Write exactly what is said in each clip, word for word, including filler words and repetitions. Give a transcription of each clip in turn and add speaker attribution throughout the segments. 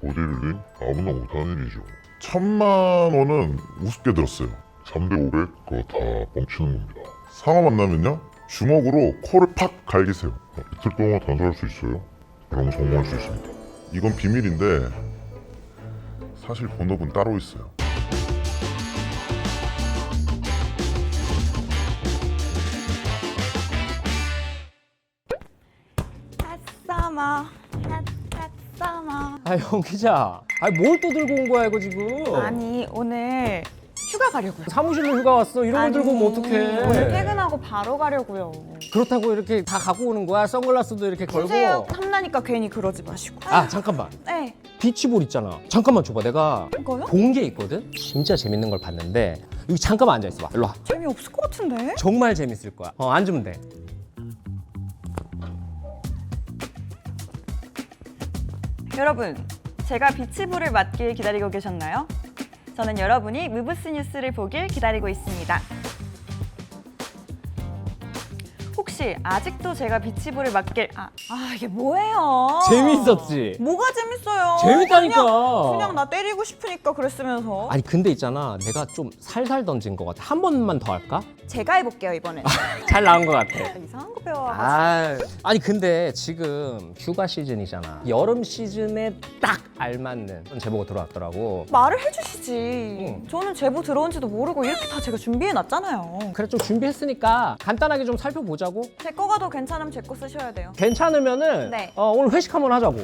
Speaker 1: 보디빌딩 아무나 못하는 일이죠. 천만 원은 우습게 들었어요. 삼백, 오백 그거 다 뻥치는 겁니다. 상어 만나면요 주먹으로 코를 팍 갈기세요. 이틀 동안 단속할 수 있어요. 그럼 성공할 수 있습니다. 이건 비밀인데 사실 본업은 따로 있어요.
Speaker 2: 핫서머 핫핫서머.
Speaker 3: 아, 형 기자. 아, 뭘 또 들고 온 거야, 이거 지금?
Speaker 2: 아니 오늘 휴가 가려고요.
Speaker 3: 사무실로 휴가 왔어. 이런 걸
Speaker 2: 아니,
Speaker 3: 들고 오면 어떡해.
Speaker 2: 오늘 퇴근하고 바로 가려고요.
Speaker 3: 그렇다고 이렇게 다 갖고 오는 거야? 선글라스도 이렇게 걸고.
Speaker 2: 주세요. 탐나니까 괜히 그러지 마시고.
Speaker 3: 아, 잠깐만.
Speaker 2: 네.
Speaker 3: 비치볼 있잖아. 잠깐만 줘봐. 내가
Speaker 2: 이거요?
Speaker 3: 본 게 있거든? 진짜 재밌는 걸 봤는데 여기 잠깐만 앉아있어 봐. 일로 와.
Speaker 2: 재미없을 것 같은데?
Speaker 3: 정말 재밌을 거야. 어, 앉으면 돼.
Speaker 2: 여러분, 제가 비치볼을 맞길 기다리고 계셨나요? 저는 여러분이 무브스 뉴스를 보길 기다리고 있습니다. 혹시 아직도 제가 비치볼을 맞길 아, 아 이게 뭐예요?
Speaker 3: 재밌었지?
Speaker 2: 뭐가 재밌어요?
Speaker 3: 재밌다니까.
Speaker 2: 그냥, 그냥 나 때리고 싶으니까 그랬으면서.
Speaker 3: 아니 근데 있잖아. 내가 좀 살살 던진 것 같아. 한 번만 더 할까?
Speaker 2: 제가 해볼게요 이번엔.
Speaker 3: 잘 나온 것 같아.
Speaker 2: 이상한 거 배워.
Speaker 3: 아, 아니 근데 지금 휴가 시즌이잖아. 여름 시즌에 딱 알맞는 그런 제보가 들어왔더라고.
Speaker 2: 말을 해주시지.
Speaker 3: 응.
Speaker 2: 저는 제보 들어온지도 모르고 이렇게 다 제가 준비해놨잖아요.
Speaker 3: 그래 좀 준비했으니까 간단하게 좀 살펴보자고.
Speaker 2: 제 거가 더 괜찮으면 제 거 쓰셔야 돼요.
Speaker 3: 괜찮으면은
Speaker 2: 네.
Speaker 3: 어, 오늘 회식 한번 하자고.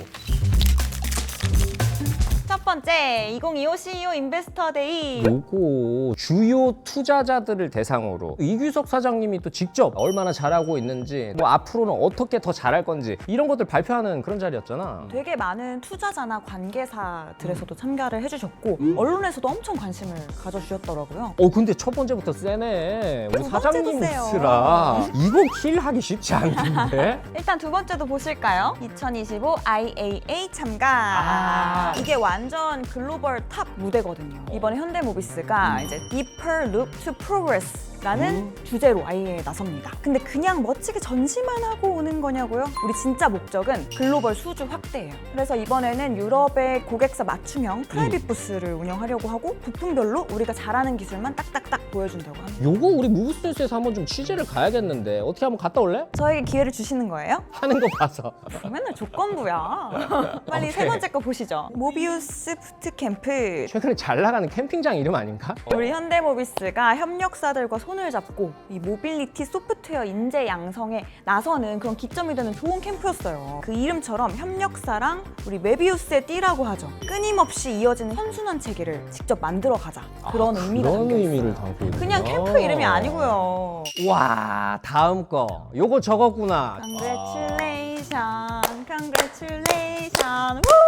Speaker 2: 첫 번째, 이천이십오 씨이오 인베스터 데이.
Speaker 3: 요거 주요 투자자들을 대상으로 이규석 사장님이 또 직접 얼마나 잘하고 있는지, 뭐 앞으로는 어떻게 더 잘할 건지 이런 것들 발표하는 그런 자리였잖아.
Speaker 2: 되게 많은 투자자나 관계사들에서도 참가를 해주셨고 언론에서도 엄청 관심을 가져주셨더라고요.
Speaker 3: 어 근데 첫 번째부터 세네. 우리
Speaker 2: 두
Speaker 3: 사장님
Speaker 2: 번째도 세요.
Speaker 3: 쓰라. 이거 킬하기 쉽지 않은데.
Speaker 2: 일단 두 번째도 보실까요? 이천이십오 아이에이에이 참가.
Speaker 3: 아.
Speaker 2: 이게 완전 글로벌 탑 무대거든요. 이번에 현대모비스가 이제 Deeper Look to Progress 라는
Speaker 3: 음.
Speaker 2: 주제로 아예 나섭니다. 근데 그냥 멋지게 전시만 하고 오는 거냐고요? 우리 진짜 목적은 글로벌 수주 확대예요. 그래서 이번에는 유럽의 고객사 맞춤형 프라이빗 부스를 운영하려고 하고 부품별로 우리가 잘하는 기술만 딱딱딱 보여준다고 합니다.
Speaker 3: 요거 우리 무브스뉴스에서 한번 좀 취재를 가야겠는데 어떻게 한번 갔다 올래?
Speaker 2: 저에게 기회를 주시는 거예요?
Speaker 3: 하는 거 봐서.
Speaker 2: 맨날 조건부야. 빨리
Speaker 3: 오케이.
Speaker 2: 세 번째 거 보시죠. 모비우스 부트캠프.
Speaker 3: 최근에 잘 나가는 캠핑장 이름 아닌가?
Speaker 2: 우리 현대모비스가 협력사들과 손을 잡고 이 모빌리티 소프트웨어 인재 양성에 나서는 그런 기점이 되는 좋은 캠프였어요. 그 이름처럼 협력사랑 우리 메비우스의 띠라고 하죠. 끊임없이 이어지는 선순환 체계를 직접 만들어 가자. 그런 의미가
Speaker 3: 그런
Speaker 2: 담겨
Speaker 3: 의미를
Speaker 2: 있어요.
Speaker 3: 담고 있는
Speaker 2: 그냥 캠프 이름이 아니고요.
Speaker 3: 와 다음 거 요거 적었구나.
Speaker 2: Congratulation, congratulation. 우!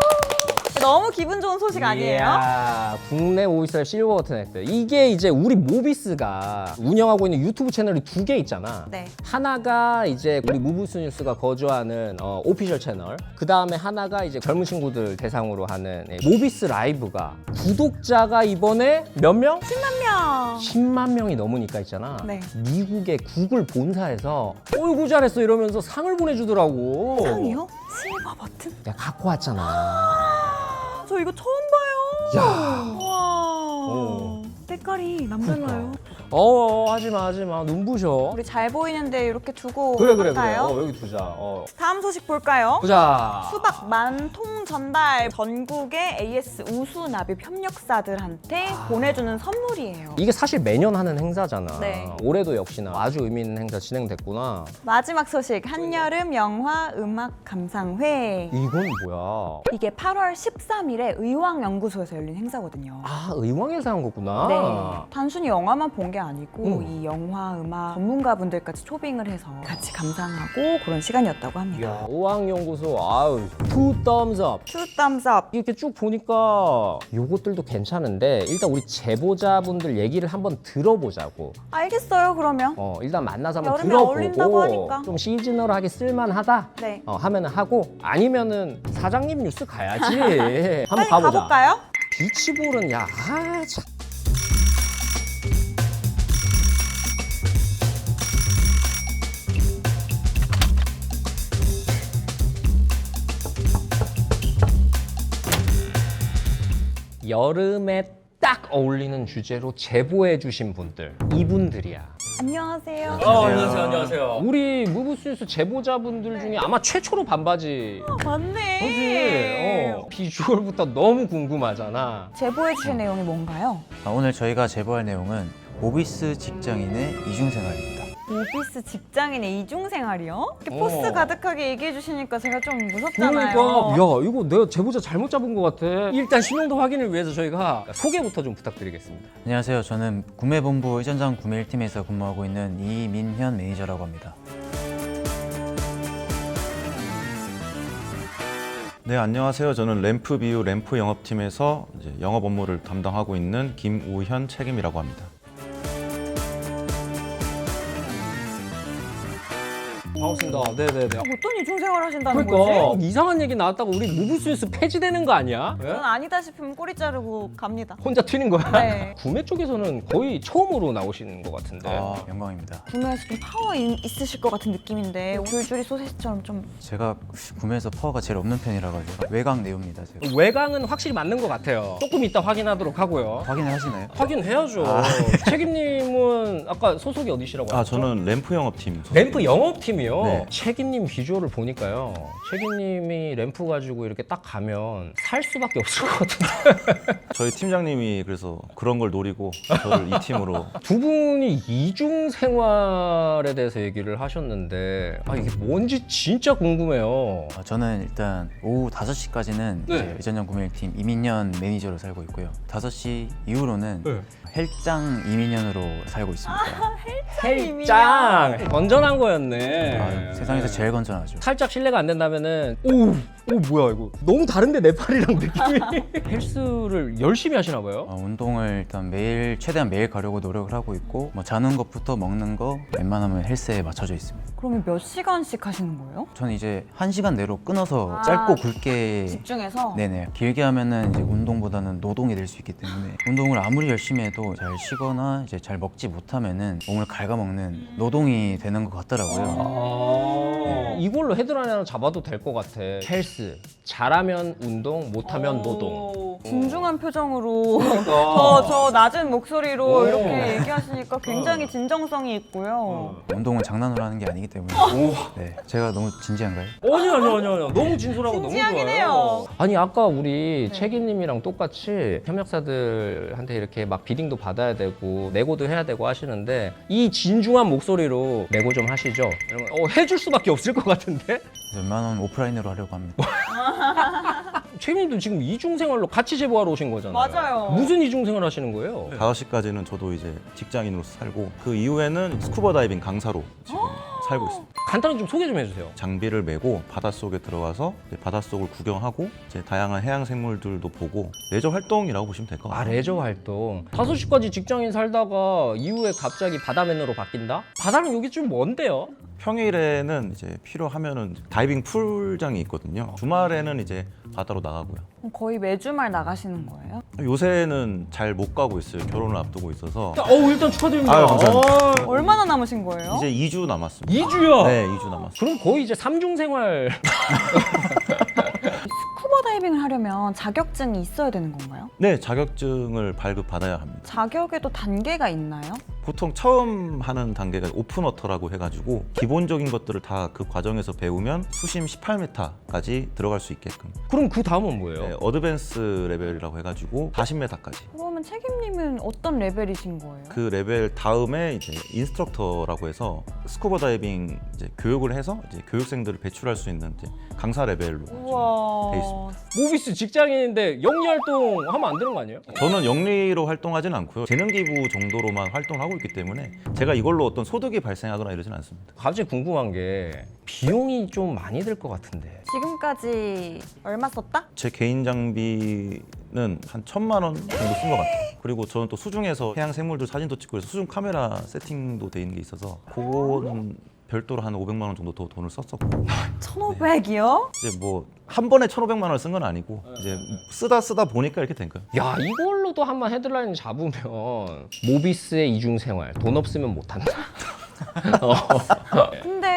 Speaker 2: 너무 기분 좋은 소식 아니에요?
Speaker 3: 이야, 국내 오피셜 실버 버튼 획득. 이게 이제 우리 모비스가 운영하고 있는 유튜브 채널이 두 개 있잖아.
Speaker 2: 네.
Speaker 3: 하나가 이제 우리 무브스 뉴스가 거주하는 어, 오피셜 채널. 그 다음에 하나가 이제 젊은 친구들 대상으로 하는 예, 모비스 라이브가 구독자가 이번에 몇 명?
Speaker 2: 십만 명.
Speaker 3: 십만 명이 넘으니까 있잖아.
Speaker 2: 네.
Speaker 3: 미국의 구글 본사에서 어이구 잘했어 이러면서 상을 보내주더라고.
Speaker 2: 상이요? 실버 버튼?
Speaker 3: 내가 갖고 왔잖아.
Speaker 2: 저 이거 처음 봐요.
Speaker 3: 야.
Speaker 2: 와.
Speaker 3: 어.
Speaker 2: 색깔이 남달라요.
Speaker 3: 어 하지마 하지마 눈부셔.
Speaker 2: 우리 잘 보이는데 이렇게 두고
Speaker 3: 그래 그래 그래.
Speaker 2: 갈까요?
Speaker 3: 어 여기 두자. 어.
Speaker 2: 다음 소식 볼까요?
Speaker 3: 보자.
Speaker 2: 수박 만통 전달. 전국의 에이에스 우수 납입 협력사들한테 보내주는 선물이에요.
Speaker 3: 이게 사실 매년 하는 행사잖아.
Speaker 2: 네.
Speaker 3: 올해도 역시나 아주 의미 있는 행사 진행됐구나.
Speaker 2: 마지막 소식, 한여름 영화 음악 감상회.
Speaker 3: 이건 뭐야?
Speaker 2: 이게 팔월 십삼일에 의왕연구소에서 열린 행사거든요.
Speaker 3: 아 의왕에서 한 거구나.
Speaker 2: 네. 단순히 영화만 본 게 아니고
Speaker 3: 음.
Speaker 2: 이 영화 음악 전문가분들까지 초빙을 해서 같이 감상하고 그런 시간이었다고 합니다.
Speaker 3: 야 의왕연구소 아유 투 thumbs up.
Speaker 2: Two thumbs up.
Speaker 3: 이렇게 쭉 보니까 요것들도 괜찮은데 일단 우리 제보자분들 얘기를 한번 들어보자고.
Speaker 2: 알겠어요, 그러면.
Speaker 3: 어 일단 만나서 한번
Speaker 2: 여름에
Speaker 3: 들어보고
Speaker 2: 어울린다고 하니까.
Speaker 3: 좀 시즈널하게 쓸만하다.
Speaker 2: 네.
Speaker 3: 어 하면은 하고 아니면은 사장님 뉴스 가야지. 한번
Speaker 2: 빨리
Speaker 3: 가보자.
Speaker 2: 가볼까요?
Speaker 3: 비치볼은 야 아, 참. 여름에 딱 어울리는 주제로 제보해 주신 분들 이분들이야.
Speaker 2: 안녕하세요.
Speaker 3: 어, 안녕하세요. 안녕하세요. 우리 무브스뉴스 제보자분들 중에 아마 최초로 반바지.
Speaker 2: 맞네.
Speaker 3: 그지? 어. 비주얼부터 너무 궁금하잖아.
Speaker 2: 제보해 주신 내용이 뭔가요?
Speaker 4: 아, 오늘 저희가 제보할 내용은 오피스 직장인의 이중생활입니다.
Speaker 2: 오피스 직장인의 이중생활이요? 이렇게
Speaker 3: 어.
Speaker 2: 포스 가득하게 얘기해 주시니까 제가 좀 무섭잖아요.
Speaker 3: 그러니까 야 이거 내가 제보자 잘못 잡은 것 같아. 일단 신용도 확인을 위해서 저희가 소개부터 좀 부탁드리겠습니다.
Speaker 4: 안녕하세요. 저는 구매본부 의전장 구매 일 팀에서 근무하고 있는 이민현 매니저라고 합니다.
Speaker 5: 네, 안녕하세요. 저는 램프비유 램프 영업팀에서 이제 영업 업무를 담당하고 있는 김우현 책임이라고 합니다.
Speaker 3: 반갑습니다. 네네네.
Speaker 2: 어떤 이중생활 하신다는
Speaker 3: 그러니까
Speaker 2: 거지?
Speaker 3: 이상한 얘기 나왔다고 우리 무브스뉴스 폐지되는 거 아니야? 예?
Speaker 2: 저는 아니다 싶으면 꼬리 자르고 갑니다.
Speaker 3: 혼자 튀는 거야?
Speaker 2: 네.
Speaker 3: 구매 쪽에서는 거의 처음으로 나오시는 것 같은데.
Speaker 4: 아, 영광입니다.
Speaker 2: 구매에서 좀 파워 인- 있으실 것 같은 느낌인데 줄줄이 소세지처럼 좀
Speaker 4: 제가 구매에서 파워가 제일 없는 편이라 가지고 외곽 내용입니다. 제가.
Speaker 3: 외곽은 확실히 맞는 것 같아요. 조금 이따 확인하도록 하고요.
Speaker 4: 확인을 하시나요?
Speaker 3: 확인해야죠. 책임님은 아까 소속이 어디시라고
Speaker 5: 아,
Speaker 3: 하셨죠?
Speaker 5: 저는 램프 영업팀. 소속.
Speaker 3: 램프 영업팀이요?
Speaker 5: 네.
Speaker 3: 책임님 비주얼을 보니까요. 책임님이 램프 가지고 이렇게 딱 가면 살 수밖에 없을 것 같은데.
Speaker 5: 저희 팀장님이 그래서 그런 걸 노리고 저를 이 팀으로.
Speaker 3: 두 분이 이중 생활에 대해서 얘기를 하셨는데 아 이게 뭔지 진짜 궁금해요.
Speaker 4: 아, 저는 일단 오후 다섯 시까지는
Speaker 3: 네.
Speaker 4: 이제 의전장 구매 일 팀 이민현 매니저로 살고 있고요. 다섯 시 이후로는
Speaker 3: 네.
Speaker 4: 헬장 이민현으로 살고 있습니다.
Speaker 3: 헬짱 건전한 거였네.
Speaker 4: 아, 세상에서 제일 건전하죠.
Speaker 3: 살짝 실례가 안 된다면은 오, 오 뭐야 이거 너무 다른데 내 팔이랑 느낌이. 헬스를 열심히 하시나 봐요.
Speaker 4: 어, 운동을 일단 매일 최대한 매일 가려고 노력을 하고 있고 뭐 자는 것부터 먹는 거 웬만하면 헬스에 맞춰져 있습니다.
Speaker 2: 그러면 몇 시간씩 하시는 거예요?
Speaker 4: 저는 이제 한 시간 내로 끊어서
Speaker 2: 아,
Speaker 4: 짧고 굵게
Speaker 2: 집중해서?
Speaker 4: 네네 길게 하면은 이제 운동보다는 노동이 될 수 있기 때문에 운동을 아무리 열심히 해도 잘 쉬거나 이제 잘 먹지 못하면은 몸을 갉아먹는 노동이 되는 것 같더라고요.
Speaker 3: 아, 이걸로 헤드라인 하나 잡아도 될 것 같아. 헬스 잘하면 운동, 못하면 노동.
Speaker 2: 진중한 표정으로
Speaker 3: 그러니까.
Speaker 2: 저, 저 낮은 목소리로
Speaker 3: 오.
Speaker 2: 이렇게 얘기하시니까 굉장히 진정성이 있고요.
Speaker 4: 운동은 장난으로 하는 게 아니기 때문에 네 제가 너무 진지한가요?
Speaker 3: 아니 아니 아니 아니 너무 진솔하고 너무
Speaker 2: 진지하긴
Speaker 3: 좋아요.
Speaker 2: 해요.
Speaker 3: 아니 아까 우리
Speaker 2: 네.
Speaker 3: 책임님이랑 똑같이 협력사들한테 이렇게 막 비딩도 받아야 되고 내고도 해야 되고 하시는데 이 진중한 목소리로 내고 좀 하시죠. 이러면 어, 해줄 수밖에 없을 것 같은데.
Speaker 4: 웬만하면 오프라인으로 하려고 합니다.
Speaker 3: 책임님도 지금 이중생활로 같이 제보하러 오신 거잖아요.
Speaker 2: 맞아요.
Speaker 3: 무슨 이중생활 하시는 거예요?
Speaker 5: 다섯 시까지는 저도 이제 직장인으로서 살고 그 이후에는 스쿠버 다이빙 강사로 지금 살고 있습니다.
Speaker 3: 간단히 좀 소개 좀 해주세요.
Speaker 5: 장비를 메고 바닷속에 들어가서 이제 바닷속을 구경하고 이제 다양한 해양 생물들도 보고 레저 활동이라고 보시면 될 것
Speaker 3: 아
Speaker 5: 같아요.
Speaker 3: 레저 활동. 다섯 시까지 직장인 살다가 이후에 갑자기 바다맨으로 바뀐다? 바다는 여기 좀 먼데요?
Speaker 5: 평일에는 이제 필요하면은 다이빙 풀장이 있거든요. 주말에는 이제 바다로 나가고요.
Speaker 2: 그럼 거의 매주말 나가시는 거예요?
Speaker 5: 요새는 잘 못 가고 있어요. 결혼을 앞두고 있어서.
Speaker 3: 어 일단 축하드립니다.
Speaker 5: 아유, 감사합니다.
Speaker 3: 어,
Speaker 2: 얼마나 남으신 거예요?
Speaker 5: 이제 이 주 남았습니다.
Speaker 3: 이 주요?
Speaker 5: 네, 이 주 남았습니다.
Speaker 3: 그럼 거의 이제 삼중생활.
Speaker 2: 스쿠버 다이빙을 하려면 자격증이 있어야 되는 건가요?
Speaker 5: 네, 자격증을 발급받아야 합니다.
Speaker 2: 자격에도 단계가 있나요?
Speaker 5: 보통 처음 하는 단계가 오픈워터라고 해가지고 기본적인 것들을 다 그 과정에서 배우면 수심 십팔 미터까지 들어갈 수 있게끔.
Speaker 3: 그럼 그 다음은 뭐예요?
Speaker 5: 네, 어드밴스 레벨이라고 해가지고 사십 미터까지.
Speaker 2: 그러면 책임님은 어떤 레벨이신 거예요?
Speaker 5: 그 레벨 다음에 이제 인스트럭터라고 해서 스쿠버 다이빙 이제 교육을 해서 이제 교육생들을 배출할 수 있는 이제 강사 레벨로 지금 돼 있습니다.
Speaker 3: 모비스 직장인인데 영리 활동 하면 안 되는 거 아니에요?
Speaker 5: 저는 영리로 활동하진 않고요. 재능기부 정도로만 활동하고 있기 때문에 제가 이걸로 어떤 소득이 발생하거나 이러진 않습니다.
Speaker 3: 갑자기 궁금한 게 비용이 좀 많이 들 것 같은데.
Speaker 2: 지금까지 얼마 썼다?
Speaker 5: 제 개인 장비는 한 천만 원 정도 쓴 것 같아요. 그리고 저는 또 수중에서 해양 생물들 사진도 찍고 해서 수중 카메라 세팅도 돼 있는 게 있어서 그거는 별도로 한 오백만 원 정도 더 돈을 썼었고
Speaker 2: 천오백이요?
Speaker 5: 이제 뭐 한 번에 천오백만 원을 쓴 건 아니고 이제 쓰다 쓰다 보니까 이렇게 된 거예요.
Speaker 3: 야 이걸로도 한번 헤드라인 잡으면 모비스의 이중생활 돈 없으면 못한다. 어.
Speaker 2: 근데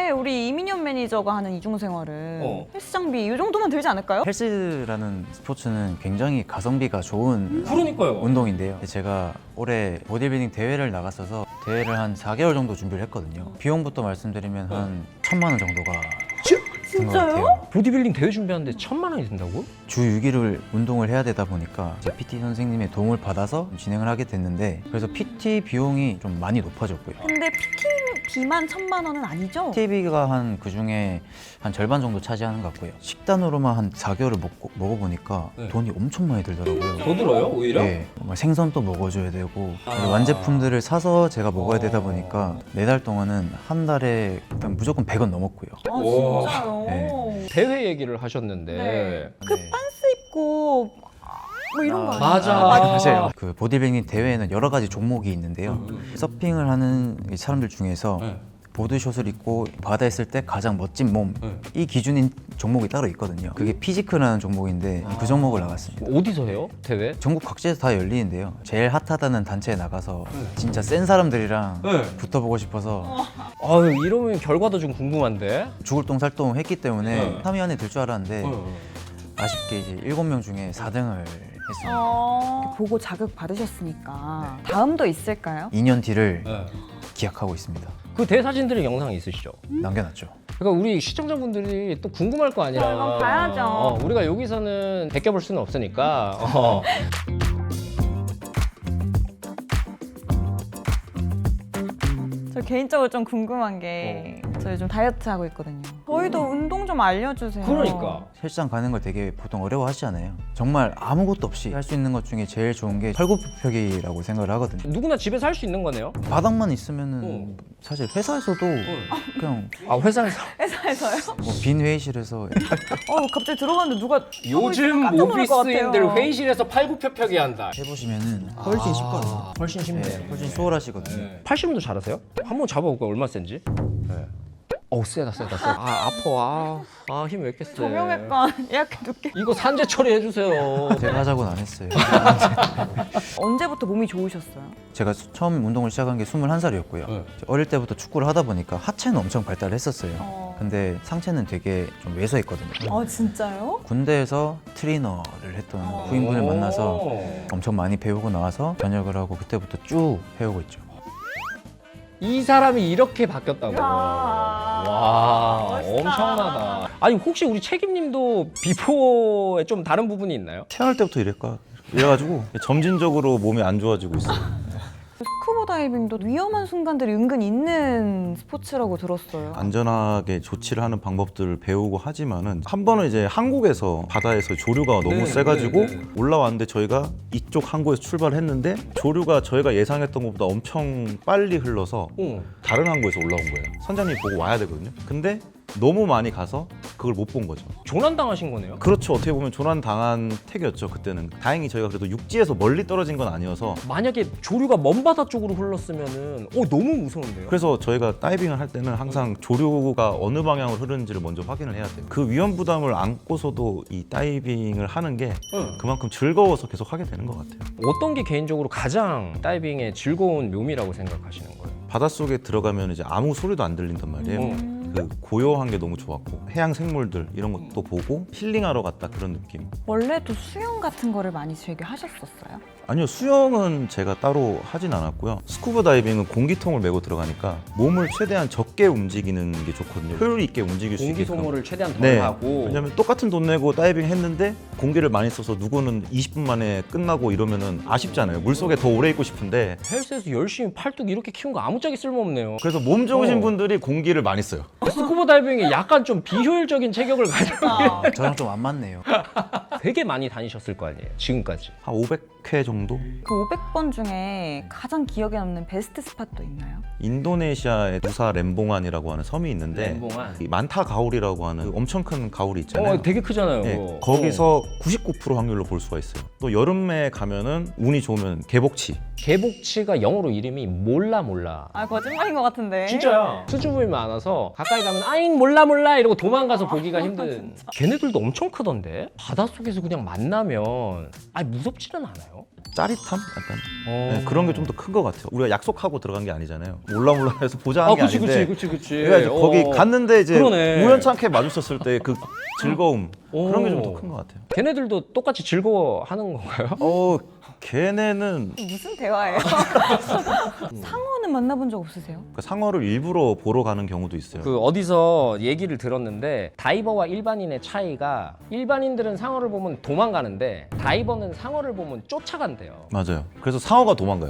Speaker 2: 근데 우리 이민현 매니저가 하는 이중 생활은
Speaker 3: 어.
Speaker 2: 헬스 장비 이 정도면 들지 않을까요?
Speaker 4: 헬스라는 스포츠는 굉장히 가성비가 좋은
Speaker 3: 그러니까요.
Speaker 4: 운동인데요. 제가 올해 보디빌딩 대회를 나갔어서 대회를 한 사 개월 정도 준비를 했거든요. 비용부터 말씀드리면 한 천만 원 정도가 든 것 같아요.
Speaker 3: 보디빌딩 대회 준비하는데 천만 원이 든다고?
Speaker 4: 주 육 일을 운동을 해야 되다 보니까 이제 피티 선생님의 도움을 받아서 진행을 하게 됐는데 그래서 피티 비용이 좀 많이 높아졌고요.
Speaker 2: 근데 피티비만 천만 원은 아니죠?
Speaker 4: 피티비가 한 그 중에 한 절반 정도 차지하는 것 같고요. 식단으로만 한 사 개월을 먹고, 먹어보니까
Speaker 3: 네.
Speaker 4: 돈이 엄청 많이 들더라고요.
Speaker 3: 더 들어요 오히려?
Speaker 4: 네, 정말 생선도 먹어줘야 되고
Speaker 3: 아.
Speaker 4: 완제품들을 사서 제가 먹어야 되다
Speaker 3: 어.
Speaker 4: 보니까 네 달 동안은 한 달에 일단 무조건 백 원 넘었고요.
Speaker 2: 아
Speaker 3: 와.
Speaker 2: 진짜요?
Speaker 4: 네.
Speaker 3: 대회 얘기를 하셨는데
Speaker 2: 네. 그
Speaker 4: 네.
Speaker 2: 빤스 입고 뭐 이런 거 아니에요?
Speaker 3: 맞아.
Speaker 4: 맞아요. 그 보디빌딩 대회에는 여러 가지 종목이 있는데요.
Speaker 3: 음.
Speaker 4: 서핑을 하는 이 사람들 중에서
Speaker 3: 네.
Speaker 4: 보드숏을 입고 바다에 있을 때 가장 멋진 몸,
Speaker 3: 네.
Speaker 4: 이 기준인 종목이 따로 있거든요. 그게 피지크라는 종목인데 그 종목을 나갔습니다.
Speaker 3: 어디서 해요 대회?
Speaker 4: 전국 각지에서 다 열리는데요. 제일 핫하다는 단체에 나가서
Speaker 3: 네.
Speaker 4: 진짜 센 사람들이랑
Speaker 3: 네.
Speaker 4: 붙어보고 싶어서
Speaker 3: 아유 이러면 결과도 좀 궁금한데.
Speaker 4: 죽을 똥살똥 했기 때문에
Speaker 3: 네.
Speaker 4: 삼 위 안에 들 줄 알았는데
Speaker 3: 어.
Speaker 4: 아쉽게 이제 일곱 명 중에 사 등을 했습니다.
Speaker 2: 어... 보고 자극 받으셨으니까 다음도 있을까요?
Speaker 4: 이 년 뒤를
Speaker 3: 네.
Speaker 4: 기약하고 있습니다.
Speaker 3: 그 대사진들의 영상이 있으시죠?
Speaker 4: 남겨놨죠.
Speaker 3: 그러니까 우리 시청자분들이 또 궁금할 거 아니라.
Speaker 2: 이건 봐야죠.
Speaker 3: 어, 우리가 여기서는 베껴볼 수는 없으니까. 어.
Speaker 2: 저 개인적으로 좀 궁금한 게 저 요즘 다이어트 하고 있거든요. 저희도 운동 좀 알려주세요.
Speaker 3: 그러니까.
Speaker 4: 헬스장 가는 걸 되게 보통 어려워하시잖아요. 정말 아무것도 없이 할 수 있는 것 중에 제일 좋은 게 팔굽혀펴기라고 생각을 하거든요.
Speaker 3: 누구나 집에서 할 수 있는 거네요.
Speaker 4: 바닥만 있으면은
Speaker 3: 어.
Speaker 4: 사실 회사에서도 그냥
Speaker 3: 아 회사에서.
Speaker 2: 회사에서요?
Speaker 4: 뭐 빈 회의실에서
Speaker 2: 어 갑자기 들어갔는데 누가
Speaker 3: 요즘
Speaker 2: 깜짝 놀랄 것
Speaker 3: 모비스인들
Speaker 2: 같아요.
Speaker 3: 회의실에서 팔굽혀펴기 한다.
Speaker 4: 해보시면은 훨씬 쉽거든요.
Speaker 3: 훨씬 쉽네.
Speaker 4: 네, 훨씬 수월하시거든요.
Speaker 3: 팔십 분도 잘하세요? 한번 잡아볼까요? 얼마 센지? 네. 어우 세다 세다 세다. 아 아파. 아힘 왜 이렇게 세?
Speaker 2: 정형외과 예약해 둘게.
Speaker 3: 이거 산재 처리해주세요.
Speaker 4: 제가 하자고는 안 했어요.
Speaker 2: 언제부터 몸이 좋으셨어요?
Speaker 4: 제가 처음 운동을 시작한 게 스물한 살이었고요.
Speaker 3: 네.
Speaker 4: 어릴 때부터 축구를 하다 보니까 하체는 엄청 발달을 했었어요.
Speaker 2: 어.
Speaker 4: 근데 상체는 되게 좀 왜소했거든요.
Speaker 2: 아 진짜요?
Speaker 4: 군대에서 트레이너를 했던
Speaker 2: 어.
Speaker 4: 후임분을 만나서
Speaker 3: 오.
Speaker 4: 엄청 많이 배우고 나와서 전역을 하고 그때부터 쭉 해오고 있죠.
Speaker 3: 이 사람이 이렇게 바뀌었다고.
Speaker 2: 이야.
Speaker 3: 와
Speaker 2: 멋있다.
Speaker 3: 엄청나다. 아니 혹시 우리 책임님도 비포에 좀 다른 부분이 있나요?
Speaker 5: 태어날 때부터 이랬까 이래가지고 점진적으로 몸이 안 좋아지고 있어요.
Speaker 2: 스쿠버 다이빙도 위험한 순간들이 은근 있는 스포츠라고 들었어요.
Speaker 5: 안전하게 조치를 하는 방법들을 배우고 하지만은 한 번은 이제 한국에서 바다에서 조류가 너무
Speaker 3: 네,
Speaker 5: 세가지고
Speaker 3: 네, 네.
Speaker 5: 올라왔는데 저희가 이쪽 항구에서 출발했는데 조류가 저희가 예상했던 것보다 엄청 빨리 흘러서
Speaker 3: 어.
Speaker 5: 다른 항구에서 올라온 거예요. 선장님이 보고 와야 되거든요. 근데 너무 많이 가서 그걸 못 본 거죠.
Speaker 3: 조난 당하신 거네요.
Speaker 5: 그렇죠. 어떻게 보면 조난 당한 택이었죠. 그때는 다행히 저희가 그래도 육지에서 멀리 떨어진 건 아니어서
Speaker 3: 만약에 조류가 먼 바다 쪽으로 흘렀으면은 어 너무 무서운데요.
Speaker 5: 그래서 저희가 다이빙을 할 때는 항상 조류가 어느 방향으로 흐르는지를 먼저 확인을 해야 돼요. 그 위험 부담을 안고서도 이 다이빙을 하는 게
Speaker 3: 응.
Speaker 5: 그만큼 즐거워서 계속 하게 되는 것 같아요.
Speaker 3: 어떤 게 개인적으로 가장 다이빙의 즐거운 묘미라고 생각하시는 거예요?
Speaker 5: 바닷속에 들어가면 이제 아무 소리도 안 들린단 말이에요.
Speaker 3: 음.
Speaker 5: 그 고요한 게 너무 좋았고 해양 생물들 이런 것도 보고 힐링하러 갔다 그런 느낌.
Speaker 2: 원래도 수영 같은 거를 많이 즐겨 하셨었어요?
Speaker 5: 아니요, 수영은 제가 따로 하진 않았고요. 스쿠버 다이빙은 공기통을 메고 들어가니까 몸을 최대한 적게 움직이는 게 좋거든요. 효율 있게 움직일 수
Speaker 3: 공기
Speaker 5: 있게끔.
Speaker 3: 소모를 최대한 덜
Speaker 5: 네.
Speaker 3: 하고.
Speaker 5: 왜냐면 똑같은 돈 내고 다이빙 했는데 공기를 많이 써서 누구는 이십 분 만에 끝나고 이러면은 아쉽잖아요. 물속에 더 오래 있고 싶은데.
Speaker 3: 헬스에서 열심히 팔뚝 이렇게 키운 거 아무짝에 쓸모없네요.
Speaker 5: 그래서 몸 좋으신
Speaker 3: 어.
Speaker 5: 분들이 공기를 많이 써요.
Speaker 3: 스쿠버 다이빙에 약간 좀 비효율적인 체격을 가지고
Speaker 2: 아.
Speaker 4: 저랑 좀 안 맞네요.
Speaker 3: 되게 많이 다니셨을 거 아니에요, 지금까지.
Speaker 5: 한 오백 회 정도?
Speaker 2: 그 오백 번 중에 가장 기억에 남는 베스트 스팟도 있나요?
Speaker 5: 인도네시아의 누사 렘봉안이라고 하는 섬이 있는데
Speaker 3: 렘봉안.
Speaker 5: 이 만타 가오리라고 하는 그 엄청 큰 가오리 있잖아요.
Speaker 3: 어, 되게 크잖아요.
Speaker 5: 네,
Speaker 3: 그거.
Speaker 5: 거기서 구십구 퍼센트 확률로 볼 수가 있어요. 또 여름에 가면은 운이 좋으면 개복치.
Speaker 3: 개복치가 영어로 이름이 몰라 몰라.
Speaker 2: 아 거짓말인 것 같은데.
Speaker 3: 진짜야. 수줍음이 많아서 가까이 가면 아잉 몰라 몰라 이러고 도망가서 보기가 힘든. 걔네들도 엄청 크던데. 바닷속에서 그냥 만나면 아니 무섭지는 않아요?
Speaker 5: 짜릿함? 약간
Speaker 3: 어.
Speaker 5: 네, 그런 게 좀 더 큰 것 같아요. 우리가 약속하고 들어간 게 아니잖아요. 몰라 몰라 해서 보자 한
Speaker 3: 아,
Speaker 5: 게
Speaker 3: 그치,
Speaker 5: 아닌데.
Speaker 3: 그치, 그치, 그치.
Speaker 5: 그러니까 이제 거기
Speaker 3: 어.
Speaker 5: 갔는데 이제
Speaker 3: 그러네.
Speaker 5: 우연찮게 마주쳤을 때 그 즐거움 그런 게 좀 더
Speaker 3: 오.
Speaker 5: 큰 것 같아요.
Speaker 3: 걔네들도 똑같이 즐거워하는 건가요?
Speaker 5: 어, 걔네는
Speaker 2: 무슨 대화예요? 상어는 만나본 적 없으세요?
Speaker 5: 그 상어를 일부러 보러 가는 경우도 있어요.
Speaker 3: 그 어디서 얘기를 들었는데 다이버와 일반인의 차이가 일반인들은 상어를 보면 도망가는데 다이버는 상어를 보면 쫓아간대요.
Speaker 5: 맞아요. 그래서 상어가 도망가요.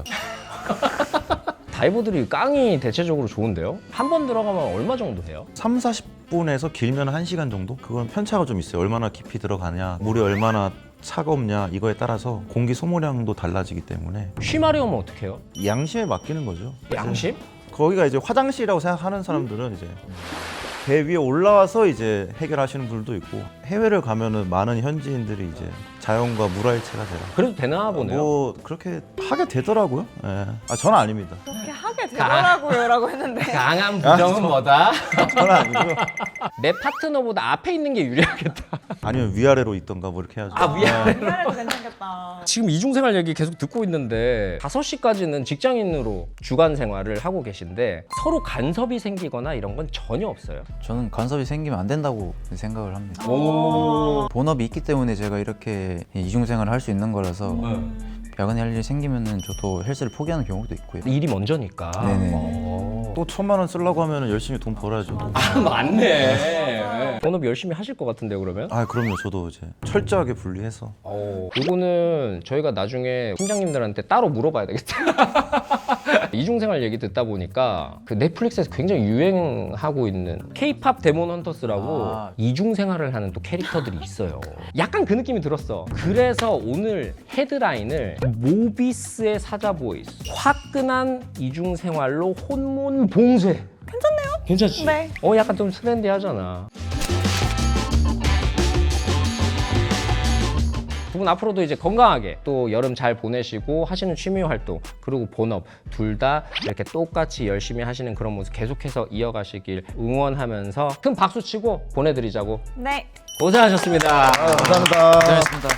Speaker 3: 다이버들이 깡이 대체적으로 좋은데요? 한 번 들어가면 얼마 정도 해요?
Speaker 5: 삼, 사십 분에서 길면 한 시간 정도? 그건 편차가 좀 있어요. 얼마나 깊이 들어가냐, 물이 얼마나 차갑냐 이거에 따라서 공기 소모량도 달라지기 때문에
Speaker 3: 쉬마려우면 어떡해요?
Speaker 5: 양심에 맡기는 거죠.
Speaker 3: 양심?
Speaker 5: 거기가 이제 화장실이라고 생각하는 사람들은 이제 배 위에 올라와서 이제 해결하시는 분들도 있고 해외를 가면은 많은 현지인들이 이제 자연과 물화일체가 되라.
Speaker 3: 그래도 되나 보네요.
Speaker 5: 뭐 그렇게 하게 되더라고요. 예. 아 저는 아닙니다.
Speaker 2: 그렇게 하게 되더라고요라고 했는데
Speaker 3: 강한 부정은 뭐다?
Speaker 5: 저는 아니고요.
Speaker 3: 내 파트너보다 앞에 있는 게 유리하겠다.
Speaker 5: 아니면 위아래로 있던가 뭐 이렇게 해야죠.
Speaker 3: 아, 위아래.
Speaker 5: 예.
Speaker 2: 미안해도 괜찮겠다.
Speaker 3: 지금 이중생활 얘기 계속 듣고 있는데 다섯 시까지는 직장인으로 주간 생활을 하고 계신데 서로 간섭이 생기거나 이런 건 전혀 없어요.
Speaker 4: 저는 간섭이 생기면 안 된다고 생각을 합니다.
Speaker 3: 오.
Speaker 4: 본업이 있기 때문에 제가 이렇게 이중생활을 할 수 있는 거라서 야간에 할 일이 생기면은 저도 헬스를 포기하는 경우도 있고요.
Speaker 3: 일이 먼저니까.
Speaker 4: 네네.
Speaker 3: 어.
Speaker 5: 또 천만 원 쓰려고 하면 열심히 돈 벌어야죠.
Speaker 3: 아, 맞네. 본업 열심히 하실 것 같은데요, 그러면?
Speaker 5: 아 그럼요. 저도 이제 철저하게 분리해서
Speaker 3: 어, 이거는 저희가 나중에 팀장님들한테 따로 물어봐야 되겠다. 이중생활 얘기 듣다 보니까 그 넷플릭스에서 굉장히 유행하고 있는 K-팝 데몬 헌터스라고
Speaker 4: 아.
Speaker 3: 이중생활을 하는 또 캐릭터들이 있어요. 약간 그 느낌이 들었어. 그래서 오늘 헤드라인을 모비스의 사자보이스 화끈한 이중생활로 혼몬 봉쇄. 괜찮네요? 괜찮지?
Speaker 2: 네.
Speaker 3: 어 약간 좀 트렌디하잖아. 두 분 앞으로도 이제 건강하게 또 여름 잘 보내시고 하시는 취미 활동 그리고 본업 둘 다 이렇게 똑같이 열심히 하시는 그런 모습 계속해서 이어가시길 응원하면서 큰 박수 치고 보내드리자고.
Speaker 2: 네.
Speaker 3: 고생하셨습니다.
Speaker 5: 감사합니다.
Speaker 4: 고생하셨습니다.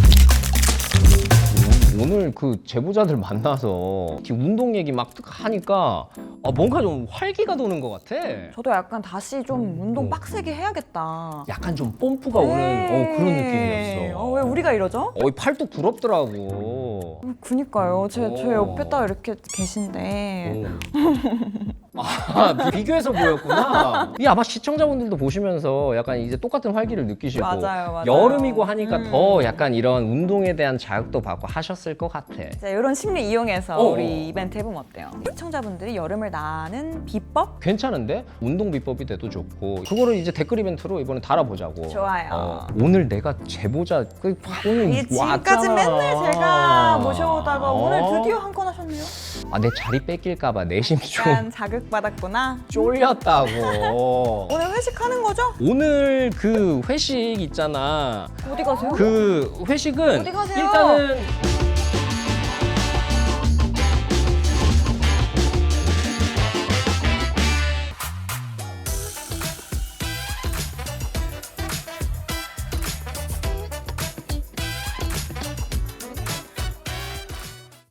Speaker 3: 오늘 그 제보자들 만나서 지금 운동 얘기 막 하니까 아, 뭔가 좀 활기가 도는 것 같아.
Speaker 2: 저도 약간 다시 좀 운동
Speaker 3: 어.
Speaker 2: 빡세게 해야겠다.
Speaker 3: 약간 좀 뽐뿌가 오는 어, 그런 느낌이었어.
Speaker 2: 어, 왜 우리가 이러죠?
Speaker 3: 어, 이 팔뚝 부럽더라고.
Speaker 2: 어, 그니까요. 제, 제
Speaker 3: 어.
Speaker 2: 옆에 딱 이렇게 계신데.
Speaker 3: 아, 비교해서 보였구나. 이 아마 시청자분들도 보시면서 약간 이제 똑같은 활기를 느끼시고
Speaker 2: 맞아요, 맞아요.
Speaker 3: 여름이고 하니까
Speaker 2: 음.
Speaker 3: 더 약간 이런 운동에 대한 자극도 받고 하셨을 것 같아.
Speaker 2: 자, 이런 심리 이용해서
Speaker 3: 어.
Speaker 2: 우리 이벤트 해보면 어때요? 시청자분들이 여름을 나는 비법?
Speaker 3: 괜찮은데? 운동 비법이 돼도 좋고 그거를 이제 댓글 이벤트로 이번에 달아보자고.
Speaker 2: 좋아요.
Speaker 3: 어, 오늘 내가 제보자 그 오늘
Speaker 2: 이게 지금까지
Speaker 3: 왔잖아.
Speaker 2: 맨날 제가 모셔오다가
Speaker 3: 어?
Speaker 2: 오늘 드디어 한 건 하셨네요?
Speaker 3: 아, 내 자리 뺏길까봐 내심 좀
Speaker 2: 약간 자극받았구나.
Speaker 3: 쫄렸다고.
Speaker 2: 오늘 회식하는 거죠?
Speaker 3: 오늘 그 회식 있잖아.
Speaker 2: 어디 가세요?
Speaker 3: 그 회식은
Speaker 2: 어디 가세요?
Speaker 3: 일단은